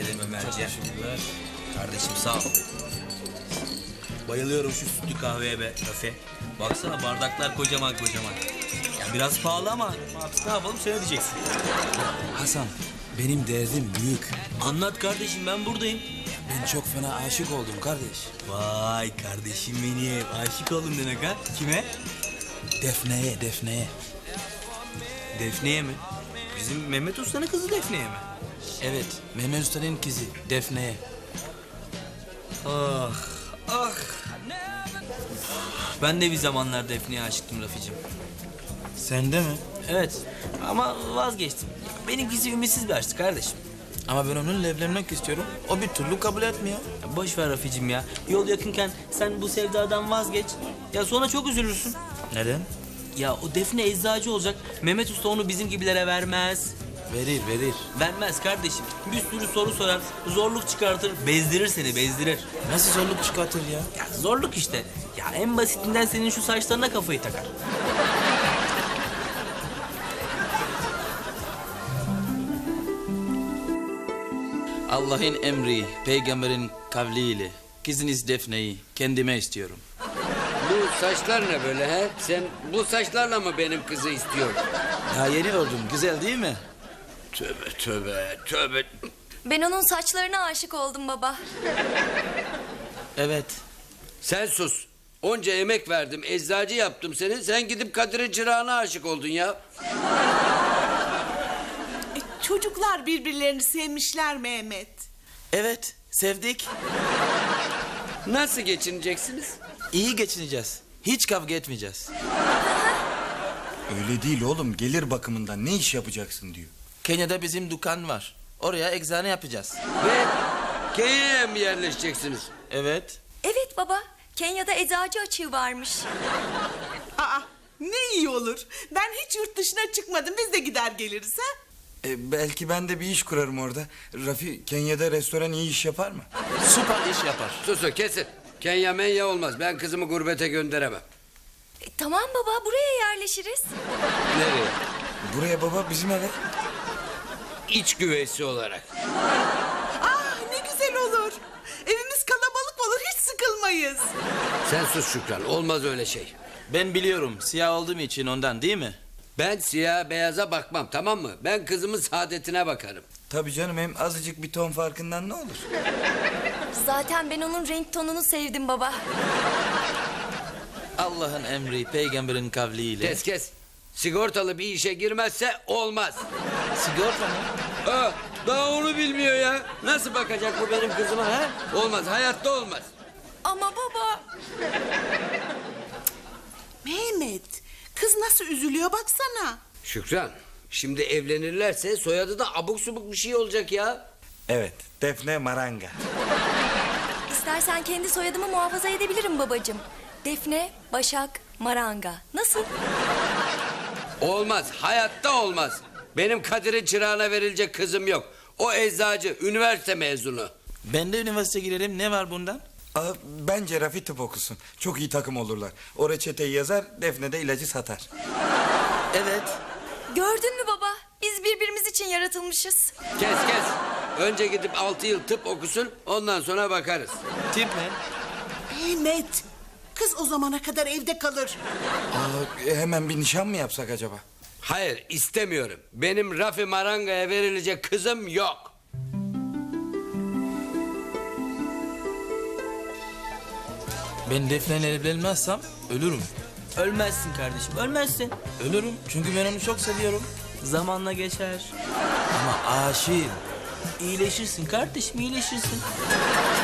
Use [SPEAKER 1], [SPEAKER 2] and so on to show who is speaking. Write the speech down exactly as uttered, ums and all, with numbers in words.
[SPEAKER 1] ederim Ömerciğim. Kardeşim sağ ol. Bayılıyorum şu sütlü kahveye be Rafi. Baksana bardaklar kocaman kocaman. Ya biraz pahalı ama artık ne yapalım sen ödeyeceksin.
[SPEAKER 2] Hasan, benim derdim büyük.
[SPEAKER 1] Anlat kardeşim ben buradayım.
[SPEAKER 2] Ben çok fena aşık oldum kardeş.
[SPEAKER 1] Vay kardeşim benim. Aşık oldum demek ha. Kime?
[SPEAKER 2] Defne'ye, Defne'ye.
[SPEAKER 1] Defne'ye mi? Bizim Mehmet Usta'nın kızı Defne'ye mi?
[SPEAKER 2] Evet, Mehmet Usta'nın kızı Defne'ye.
[SPEAKER 1] Ah, ah. Ben de bir zamanlar Defne'ye aşıktım Rafi'cim.
[SPEAKER 2] Sen de mi?
[SPEAKER 1] Evet ama vazgeçtim. Benimkisi ümitsiz bir aşktı kardeşim.
[SPEAKER 2] Ama ben onunla evlenmek istiyorum. O bir türlü kabul etmiyor.
[SPEAKER 1] Ya boş ver Rafi'cim ya. Yol yakınken sen bu sevdadan vazgeç. Ya sonra çok üzülürsün.
[SPEAKER 2] Neden?
[SPEAKER 1] Ya o Defne eczacı olacak. Mehmet Usta onu bizim gibilere vermez.
[SPEAKER 2] Verir, verir.
[SPEAKER 1] Vermez kardeşim. Bir sürü soru sorar. Zorluk çıkartır. Bezdirir seni bezdirir.
[SPEAKER 2] Nasıl zorluk çıkartır ya?
[SPEAKER 1] Ya zorluk işte. Ya en basitinden senin şu saçlarına kafayı takar.
[SPEAKER 2] Allah'ın emri, peygamberin kavliyle kızınız Defne'yi kendime istiyorum.
[SPEAKER 3] Bu saçlar ne böyle he? Sen bu saçlarla mı benim kızı istiyorsun?
[SPEAKER 2] Ya yeni oldum, güzel değil mi?
[SPEAKER 3] Tövbe tövbe tövbe.
[SPEAKER 4] Ben onun saçlarına aşık oldum baba.
[SPEAKER 2] Evet.
[SPEAKER 3] Sen sus. Onca emek verdim, eczacı yaptım seni. Sen gidip Kadir'in çırağına aşık oldun ya.
[SPEAKER 5] E, çocuklar birbirlerini sevmişler Mehmet.
[SPEAKER 2] Evet, sevdik.
[SPEAKER 3] Nasıl geçineceksiniz?
[SPEAKER 2] İyi geçineceğiz. Hiç kavga etmeyeceğiz.
[SPEAKER 6] Öyle değil oğlum. Gelir bakımından ne iş yapacaksın diyor.
[SPEAKER 2] Kenya'da bizim dükkan var. Oraya eczane yapacağız.
[SPEAKER 3] Ve Kenya'ya mı yerleşeceksiniz?
[SPEAKER 2] Evet.
[SPEAKER 4] Evet baba. Kenya'da eczacı açığı varmış.
[SPEAKER 5] Aa, ne iyi olur. Ben hiç yurt dışına çıkmadım. Biz de gider geliriz ha.
[SPEAKER 6] E, belki ben de bir iş kurarım orada. Rafi Kenya'da restoran iyi iş yapar mı?
[SPEAKER 2] Süper iş yapar.
[SPEAKER 3] Susun kesin. Kenya menya olmaz. Ben kızımı gurbete gönderemem.
[SPEAKER 4] E, tamam baba buraya yerleşiriz.
[SPEAKER 3] Nereye?
[SPEAKER 6] Buraya baba bizim eve.
[SPEAKER 3] İç güveysi olarak.
[SPEAKER 5] Ah ne güzel olur. Evimiz kalabalık olur. Hiç sıkılmayız.
[SPEAKER 3] Sen sus Şükran. Olmaz öyle şey.
[SPEAKER 2] Ben biliyorum, siyah olduğum için ondan değil mi?
[SPEAKER 3] Ben siyah beyaza bakmam, tamam mı? Ben kızımın saadetine bakarım.
[SPEAKER 6] Tabii canım, hem azıcık bir ton farkından ne olur?
[SPEAKER 4] Zaten ben onun renk tonunu sevdim baba.
[SPEAKER 2] Allah'ın emri, peygamberin kavliyle.
[SPEAKER 3] Kes kes. Sigortalı bir işe girmezse olmaz.
[SPEAKER 2] Sigorta mı?
[SPEAKER 3] Aa, daha onu bilmiyor ya. Nasıl bakacak bu benim kızıma ha? Olmaz, hayatta olmaz.
[SPEAKER 4] Ama baba.
[SPEAKER 5] Mehmet, kız nasıl üzülüyor baksana.
[SPEAKER 3] Şükran, şimdi evlenirlerse soyadı da abuk subuk bir şey olacak ya.
[SPEAKER 6] Evet, Defne Maranga.
[SPEAKER 4] İstersen kendi soyadımı muhafaza edebilirim babacığım. Defne, Başak, Maranga. Nasıl?
[SPEAKER 3] Olmaz, hayatta olmaz. Benim Kadir'in çırağına verilecek kızım yok. O eczacı, üniversite mezunu.
[SPEAKER 2] Ben de üniversite girerim, ne var bundan?
[SPEAKER 6] Aa, bence Rafi tıp okusun. Çok iyi takım olurlar. O reçeteyi yazar, Defne de ilacı satar.
[SPEAKER 2] Evet.
[SPEAKER 4] Gördün mü baba? Biz birbirimiz için yaratılmışız.
[SPEAKER 3] Kes kes. Önce gidip altı yıl tıp okusun, ondan sonra bakarız.
[SPEAKER 2] Tip mi?
[SPEAKER 5] Mehmet, kız o zamana kadar evde kalır.
[SPEAKER 6] Aa, e, hemen bir nişan mı yapsak acaba?
[SPEAKER 3] Hayır, istemiyorum. Benim Rafi Maranga'ya verilecek kızım yok.
[SPEAKER 2] Ben Defne'yle evlenmezsem ölürüm.
[SPEAKER 1] Ölmezsin kardeşim ölmezsin.
[SPEAKER 2] Ölürüm çünkü ben onu çok seviyorum.
[SPEAKER 1] Zamanla geçer.
[SPEAKER 2] Ama aşığım.
[SPEAKER 1] İyileşirsin kardeşim iyileşirsin.